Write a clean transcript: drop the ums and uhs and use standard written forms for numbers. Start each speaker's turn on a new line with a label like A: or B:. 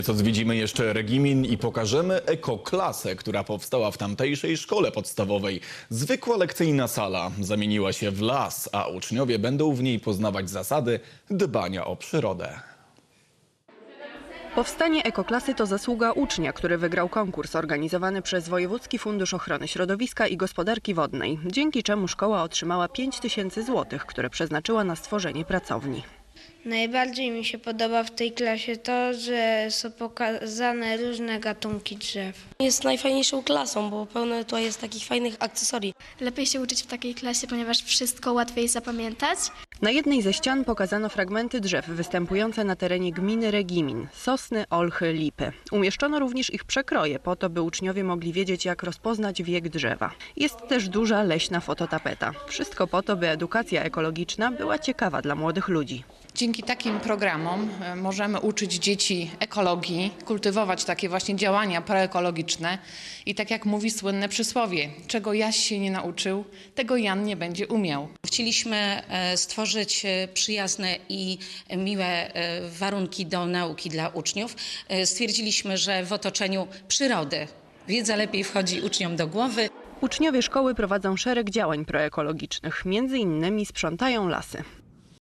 A: Co zwiedzimy jeszcze Regimin i pokażemy ekoklasę, która powstała w tamtejszej szkole podstawowej. Zwykła lekcyjna sala zamieniła się w las, a uczniowie będą w niej poznawać zasady dbania o przyrodę.
B: Powstanie ekoklasy to zasługa ucznia, który wygrał konkurs organizowany przez Wojewódzki Fundusz Ochrony Środowiska i Gospodarki Wodnej, dzięki czemu szkoła otrzymała 5000 zł, które przeznaczyła na stworzenie pracowni.
C: Najbardziej mi się podoba w tej klasie to, że są pokazane różne gatunki drzew.
D: Jest najfajniejszą klasą, bo pełno tutaj jest takich fajnych akcesorii.
E: Lepiej się uczyć w takiej klasie, ponieważ wszystko łatwiej zapamiętać.
B: Na jednej ze ścian pokazano fragmenty drzew występujące na terenie gminy Regimin – sosny, olchy, lipy. Umieszczono również ich przekroje po to, by uczniowie mogli wiedzieć, jak rozpoznać wiek drzewa. Jest też duża leśna fototapeta. Wszystko po to, by edukacja ekologiczna była ciekawa dla młodych ludzi.
F: Dzięki takim programom możemy uczyć dzieci ekologii, kultywować takie właśnie działania proekologiczne i tak jak mówi słynne przysłowie, czego Jaś się nie nauczył, tego Jan nie będzie umiał.
G: Chcieliśmy stworzyć przyjazne i miłe warunki do nauki dla uczniów. Stwierdziliśmy, że w otoczeniu przyrody wiedza lepiej wchodzi uczniom do głowy.
B: Uczniowie szkoły prowadzą szereg działań proekologicznych, między innymi sprzątają lasy.